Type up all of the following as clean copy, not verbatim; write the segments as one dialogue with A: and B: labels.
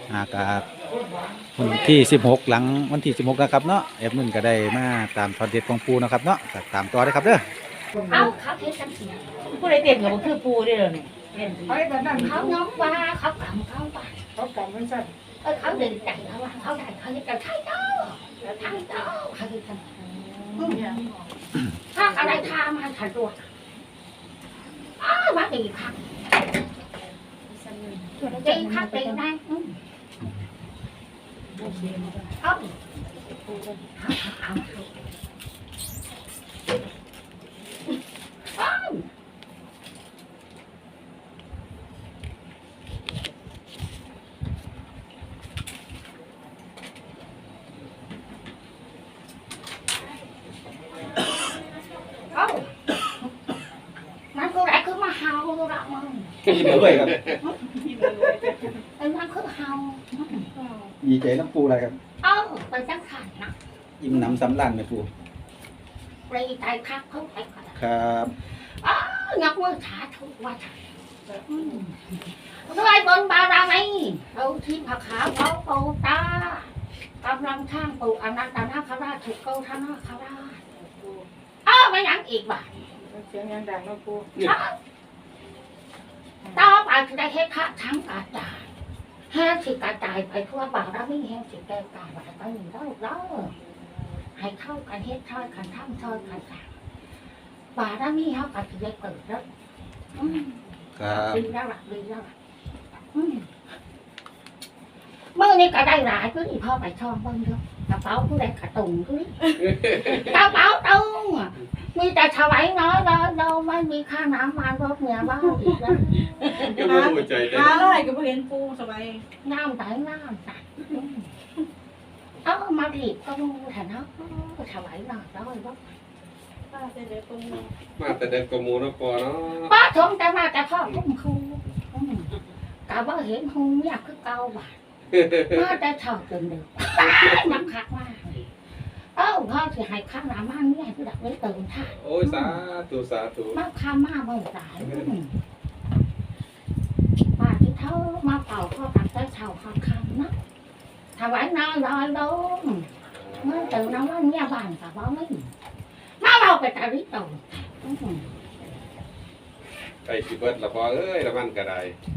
A: กาวันที่16หลังวันที่16นะครับเนาะแอดมินก็ได้มาตามทอดเด็ดของปูนะครับเนาะก็ตามต่อได้ครับเด้อ
B: เอาเขาเทสังสี
C: ผู้ใดเต้นกับบ่คือปูได้อเนี่ย
B: เขาได้แบบนั้นเขาน้องว่าเขากำเขาว่า
C: เขากำมันสั่น
B: เขาดึงใจเขาว่าเขาได้เขาจะใช่เจ้าใช่เจ้าเขาจะทำถ้าอะไรทำมันขัดตัวมาตีขัดตีขัดตีได้เอามันก็ได้คือมาเฮาละมึง
A: ยิ้มด้วยครับ
B: ไอ้มันคือเฮา
A: ดีใจน้ำปูอะไรครับ
B: ไปจังขันนะ
A: ยิ้มน้ำสำลันไหมปู
B: ไปใจคักเขาไปก่อน
A: ครับ
B: งับมือขาทุกวันด้วยบนบารมีเอาที่ผักขาเขาปูตากำลังช่างปูอนันตนาคราชถูกเก้าท่านนาคราชไม่ยังอีกบ่า
C: เสียงยังดังเนาะปู
B: ต่อไปจะได้เฮ็ดพระทั้งกระจายแห้งสิกระจายไปทั่วบารมีแห้งสิแก้กายไปหนึ่งแล้วให้เข้ากันเฮ็ดช่อยกันทำช่อยกันสร้างบารมีเขาก็จะได้เกิดแล้ว
A: ครับ
B: ดีแล้วล่ะดีแล้วล่ะเมื่อนี้ก็ได้หลายก็ดีพ่อไปช่องบ้างเยอะกระเป๋าผู้ใดกระตุงด้วยกระเป๋าตุงมีแต่ถวายน้อยเราไม่มีค่าน้ำมันรถเมียบ้างอีกแล้ว
C: หาอะไรก็บ่เห็นปูสบาย
B: น้ำใสมาถีบก็มูแถวนั้นถวายหน่อยแล้วว่า
C: ป้าเสด็จปู
D: มาแต่เด็กกว่าหมูเนาะปอเนาะ
B: ป้าชมแต่มาแต่พ่อพุ่มคูกะว่าเห็นหูอยากคือเก่าบ่ามาแต่ชอบจนเด็กนักคักมากพ่อจะให้ข้างหน้ามันเนี่ยคือดักไว้เติมท่า
D: โอ้ยสาธุ
B: มาข้ามาเมื่อไหร่ป้าที่เท่ามาเป่าพ่อตักได้เท่าคำนะถวายน้อยลอยลงเมื่อตื่นน้ำว่าเนี่ยบ้านกับว่าไม่มาเราไปตาลิโต
D: ไอ้สิเบิดละพอเอ้ยละมันก็ได้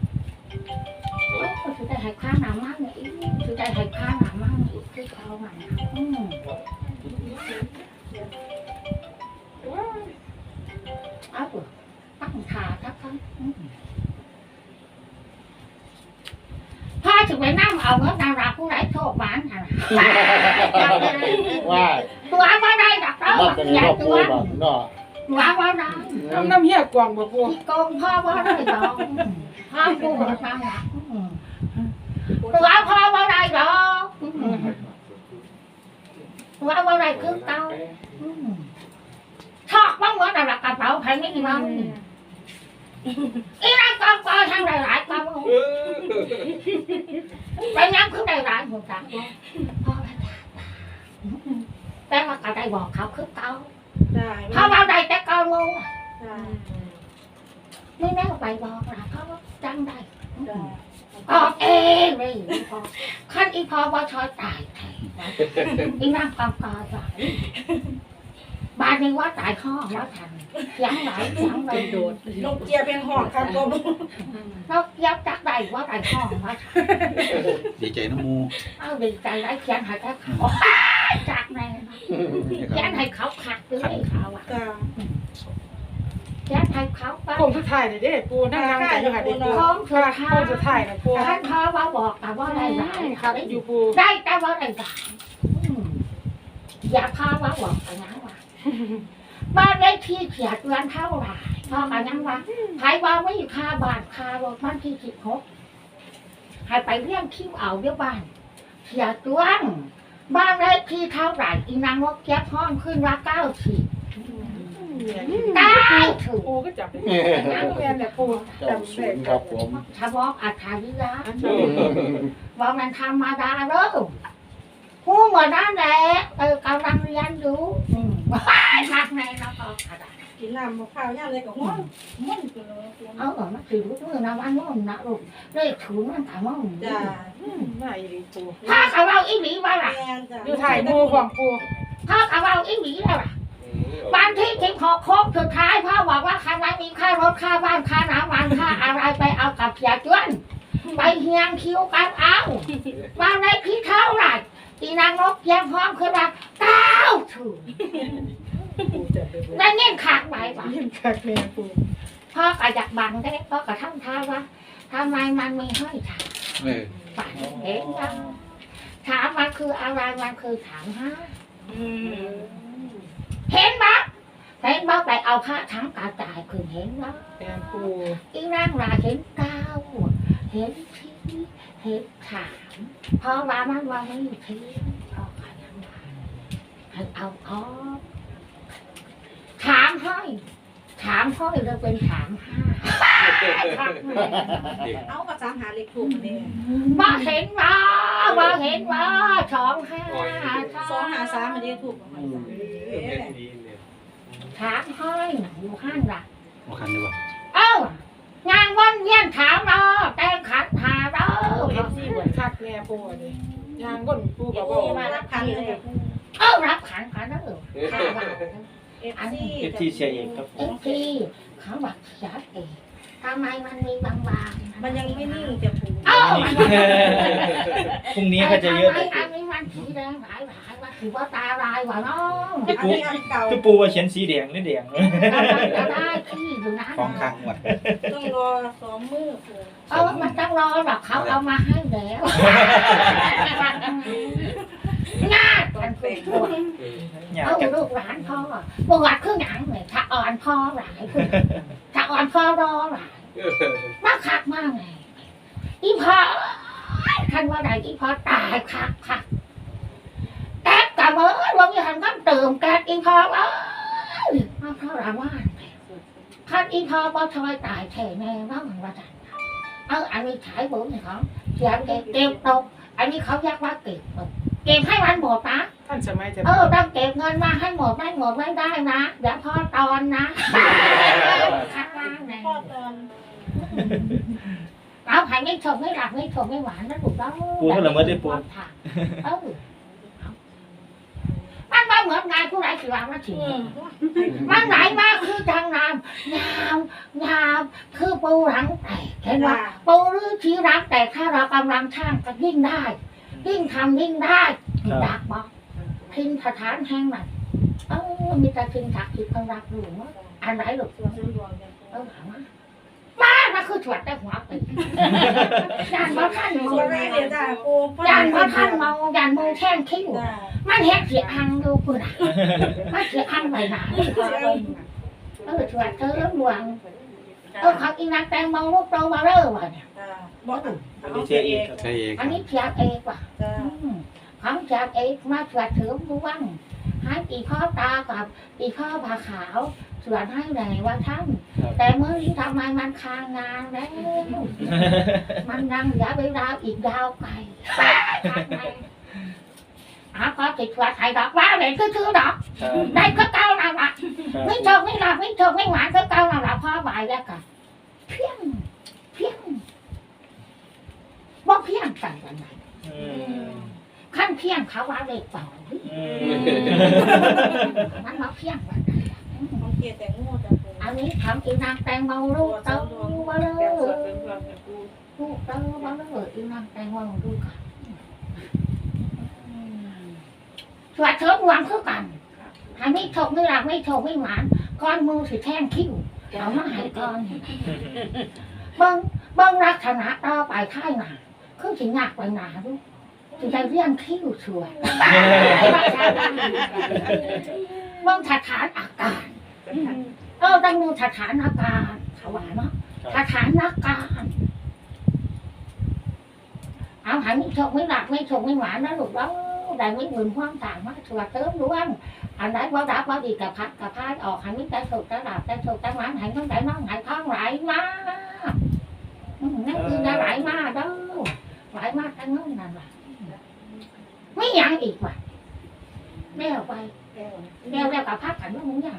B: คือได้ให้ข้างหน้ามันเนี่ยคือได้ให้ข้างหน้ามันเนี่ยคือเอาใหม่เอาตั้งขาทักทั้งพ่อถึงไปนั่งเอาเงินดาราผู้ไร้โชคบ้านค่ะ
E: ว่า
B: ตัวว่าได้ดักเต้า
E: มันเป็น
B: อย่า
E: ครอบค
B: ตั
E: รั
B: ว
E: วแบบเนาะ
B: ตัวว่าได้
C: น้ำเหี้ยกวางบ่ปู
B: โกงพ่อว่าได้ดอกพ่อกูบอกมาหนักตัวพ่อว่าได้ดอกตัวว่าได้คือเต้าชอบบ้างว่าแต่ละกระเป๋าใครไม่มีบ้างอีนั่งกองกอทางหลายๆกองไปนั่งคือหลายๆหัวใจพ่อแต่ว่าก็ได้บอกเขาคือเต้า
C: ได้
B: เขาเอาได้แต่เก่างู
C: ได้
B: ไม่แน่ไปบอกนะเขาจังได้ออกเองเลยขั้นอีพอว่าชอยตายอีนั่งกองกอสายบ้านนี้ว่าตายข้อว่าทันยังไหลยังไหลโดด
C: นกเกียเป็นหอกครับปู
B: แล้วยับจักได้ว่าตายข้อว่าทัน
A: ดีใจน้ำมู
B: เอาดีใจได้เขียนให้เขาจากไหนเขียนให้เขาขัดด้วยเขาอ่ะ
C: จ้า
B: เขียนให้เขาไป
C: โค้งสุดท้ายเลยเด้ปูนั่งกันอยู่ค่ะเด้ปู
B: โค้งสุดท้าย
C: โค้งสุดท้ายนะปู
B: ท่านพ่อว่าบอกแต่ว่าได้หลาย
C: ครับอยู่ปู
B: ได้แต่ว่าได้หลายอย่าพ่อว่าบอกแต่ยังว่าบ้านได้ที่เขียดเงินเท่าไหร่พ่อกันยังว่าใครว่าไม่ค่าบ้านค่ารถบ้านที่16ให้ไปเลี้ยงคิวเอาเดี๋ยวบ้านเขียดตัวบ้านได้ที่เท่าไหร่อีนางนกแก๊บห้องขึ้นว่า90ได้ถูก
C: ปูก็จับได้นั่งเรียนเนี่ยปู
E: เจ้าศูนย์ครับผม
B: ถ้าบอกอัธวิยะบอกมันธรรมดาเด้อพูดเหมือนนั่นแหละกำลังเรียนอยู่มากในแล้วก็กระดาษ
C: กินน้ำมะพร้าวย่างเลยก็ห้อนห้อนกันเลย
B: มันคือรู้มือนะว่ามันนะลูกเลขถูนมันถามว่า
C: จ้ามาอีหลีปู
B: ถ้าเขาเอาอีหลีมาล่ะ
C: แม่นจ้ะอยู่ถ่ายหมู่ของปู
B: ถ้าเขาเอาอีหลีแล้วล่ะวันที่16โค้งสุดท้ายพ่อบอกว่าใครไม่มีค่ารถค่าบ้านค่าน้ำมันค่าอะไรไปเอากับเสียจวนไปเฮียงคิวกันเอาวันในพี่เท่าไหร่ตีนางนกเพียงพร้อมคือว่า9 ถูก
C: ปูจะไปบ่
B: นั่นเงี้ยขาดไปป่ะ
C: เห็นคักแม่ปู
B: พ่อก็อยากบังได้พ่อก็ทำท่าว่าทำไมมันไม่ให้ถาม
D: เออ
B: ฝันเห็นยังถามมันคืออะไรมันคือถามฮะเห็นปะเห็นปะไปเอาผ้าทั้งกระจายคือเห็นปะ
C: แม่ปู
B: อีร่างราเห็นเก้าเห็นที่เห็นถามเพราะว่ามันว่าไม่อยู่ที่พ่อก็ยังว่าให้เอาออกถามให้ถามพ่อเราเป็นถามห้า
C: เอาก็ตามหาเลขถูกนี่
B: มาเห็นว่ามาเห็นว่า
C: 253มันได้ถูกบ่มัน
D: เฮ็ดดีเนี่ย
B: ถามให้อยู่ห้างละ
A: บ่คันดีบ่
B: เอ้างานวันเวียนถามเราแต่งขันหาเรา
C: เอฟซีเหมือนคักแม่ปูนี่ยางก้นปูก็บ่
B: มารับขันเลยรับขันกันนะอันนี้
E: เอฟทีเชียร์เองครับผม
B: ที่เขาบอกชัดเองทำไมมันมีบางๆ
C: มันยังไม่นิ่งจะปู
E: พรุ่งนี้ก็จะเยอะ
B: อันนี้มันสีแดงหลายว่าถือว่าตาลายว่ะน้อง
C: อันนี้อันเก่า
E: คือปูว่าเขียนสีแดงหรือแดง
B: จะได้ที่อยู่นะ
A: ของข้างหมด
C: ต้องรอ2มื้อปู
B: มันต้องรอหรอกเขาเอามาให้แล้วง่ายกันเป็นตัว
E: อยาก
B: เอา
E: จะ
B: ลูกหลานพ่อปวดเครื่องหนังเนี่ยถ้าอ่อนพ่อหลายถ้าอ่อนพ่อรอหลายมาคักมากไงอีพ่อท่านว่าไหนอีพ่อตายคักแก๊สกับเมื่อวันนี้ท่านก็เติมแก๊สอีพ่อมาเท่าไหร่ว่าท่านอีพ่อบ่ทอยตายแท้แน่ว่ามันว่าจันอันนี้ฉายบุญเนี่ยเขาเขียนเก็บตกอันนี้เขาเรียกว่าเก็บให้มันหมดนะ
C: ท่านสมัยจะ
B: ต้องเก็บเงินมาให้หมดไม่ได้นะเดี๋ยวพ่อตอนนะข้างล่างไง
C: พ่อตอน
B: เอาหายไม่ชมไม่หลับไม่ชมไม่หวานนะถูกต้องมันมาเหมือนนายผู้ไรสิวางมาถึงมันไหนมาคือทางน้ำยาวคือปูหลังแตกเห็นว่าปูหรือชี้รักแต่ถ้าเรากำลังช่างก็ยิ่งได้ยิ่งทำยิ่งได้ดักบอกทิ้งสถานแห่งนั้นมีแต่ทิ้งถักทิ้งคนรักหลวงอันไหนหลวงถามมาคือถวดแต่หัวปียันว่าท่านมองยันว่าท่านมองยันมองแท่งคิ้วมันเห็นเสียหังดูปุ่นมันเสียหังไปไหนถวดเธอหลวงเขาอีนักแตงมองลูกโตมาเร่อวะเนี่ย
E: อันนี้เชียร์เองครับ
A: ใช่เอง
B: อันนี้เสียเอกว่ะของเสียเอกมาถวดถือผู้ว่างให้ตีข้อตากับตีข้อผ้าขาวสวดให้ไหนว่าท่านแต่เมื่อนี้ทำไมมันค้างงานแล้วมันนั่งเหลือเวลาอีกยาวไกลก็ติดสวดไทยดอกว่าเลยก็ชื่อดอกได้ก็เก้านั่นแหละไม่ชมไม่หลับไม่ชมไม่หวานก็เก้านั่นแหละพ่อบ่ายแล้วกันเพี้ยงบ่เพี้ยงใส่กันไหนขั้นเพี้ยงเขาว่าเล็กเปล่ามันมาเพี้ยงวันไหน
C: ของเกียรแต่งูจะปู
B: อันนี้ทำอีนางแตงโมลูกเต้ามาเลยลูกเต้ามาเลยอีนางแตงโมดูกันสวัสดิ์เถิดหวังคือกันหาไม่ถกไม่หลับไม่ถกไม่หวานก้อนมือสิแท่งคิ้วเอามาให้ก้อนเบิ้งลักษณะต่อไปท้ายหนาคือสิงักไปหนาดูสิได้เรียงคิ้วสวยเบิ้งสถานอาการต้องดูสถานการณ์ถวายเนาะสถานการณ์เอาหายไม่ชกไม่หลับไม่ชกไม่หวานนะลูกแล้วได้ไม่หมุนความต่างมาถวดเติมล้วนอันไหนว่าดับว่าดีกับพัดกับพายออกหายไม่ได้ถูกได้ดับได้ถูกได้หวานหายต้องได้น้องหายท้องไหลมานั่นคือได้ไหลมาเด้อไหลมาทั้งนั้นนั่นแหละไม่ยังอีกว่ะแม่ออกไปแม่แล้วกับพัดกันว่ามึงยัง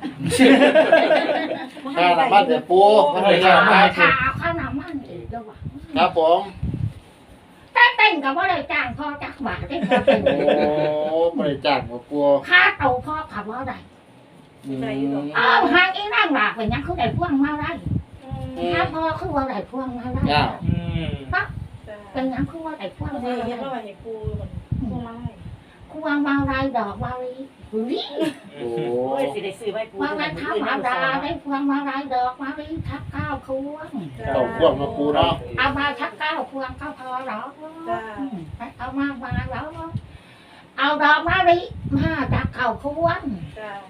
E: ข้าน้ำมันเดี๋ยวปูไม่ให้ข้าน้ำมัน
B: ข่าวข้าวน้ำมันอีกแล้วว่ะ
E: ครับผม
B: แต่นกับว่าได้จ้างพ่อจักบาทได้พอเป็น
F: โอ้บริจาคบ่ปู
B: ค่าเตาพ่อขับว่าได้หางอีนั่งหลากไปยังเขาได้พ่วงมาได้ถ้าพ่อคือว่าได้พ่วงมาได้
F: ย่า
B: เป็นยังคือว่าได้พ่วง
C: มัน
B: มา
C: เห็
B: ได้
C: นว่าให้กูมันกูมาให้
B: พ่วงมาได้ดอกมาลีลี
F: โอ้
G: โอ้ยสิได้ซื้อไว้ปู
B: ว่าได้ทำมาได้ได้พ่วงมาได้ดอกมาลีทักข้าวพวง
F: เต่าพ่วงมาปูเนาะ
B: เอามาทักข้าวพวงก็พอหรอกเอามาแล้วเอาดอกมาลีมาจากข้าวพวง
C: จ้า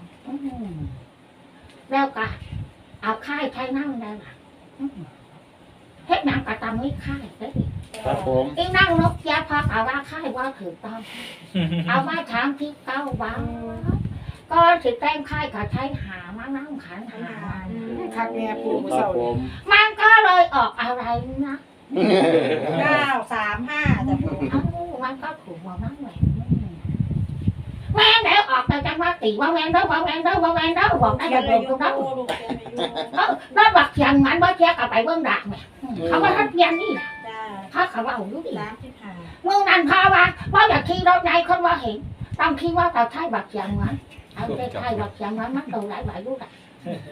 B: แล้วก็เอาค่ายใช้นั่งได้ล่ะเฮ็ดนางกระตำไม่ค่ายได้ดิ
F: ครับผม
B: อีนั่งนกแย่พอกเอาว่าค่ายว่าถือต้องเอามาถามที่เก้าบ้างก็สิแต่งค่ายก็ใช้หามานั่งขันหา
C: คักแน่ปู
F: ค
C: มื้อ
F: รับ
C: เช้า
F: ผม
B: มันก็เลยออกอะไรนะ
G: 935จ้ะปู
B: เอ้ามันก็ถูกมามั่งแหละแม่เดี๋ยวออกแต่จังว่าตีว่าแม่เด้อบอกได้
G: เขี
B: แต่
G: ยน
B: โด
G: ไว้
B: น
G: อยู่
B: ตรงนั้น
G: ปูลูกเขียนไว้อยู่
B: รถบักเสียงมันว่าเทียกับไปเบื้องดักเนี่ยเขาว่าทัดเพียนนี่
G: จ้า
B: เขาเขาว่าอยู่ดิ
G: 35
B: มึงนั่นพาว่าอยากขี่รถใหญ่คนว่าเห็นต้องคิดว่าเราใช้บักเสียงมันเอาไปใช้บักเสียงมันโตหลายหลายลูกอ่ะ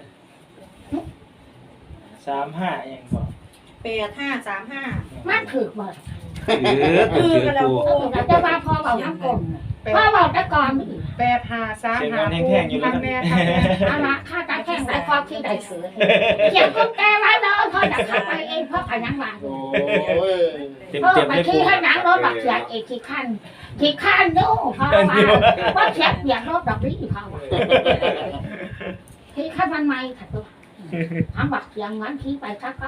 E: 35อย่างบอก
G: 8535
B: มันถือหมด
A: ถือปู
B: เราจะมาพอบอกน้ำกลมพ่อบอกแต่ก่อน
C: 8535คักแน่คักแน่
B: เอาละข้าจะแข่งได้พอที่ได้เสือเขียนคนแก่ไว้เลยพ่อจะขับไปเองพ่อขยันมา
F: โอ้ย
A: เต็ม
B: พ่อ
A: เต็ม
B: ไป
A: เลยปู
B: ที่ให้นังรถบักเสียงเอกที่ขั้นนู่พ่อว่าเสียงเสียงรถดอกนี้พ่อว่าที่ขั้นมันไม่ค่ะตัวทำบักเสียงงั้นที่ไปชัก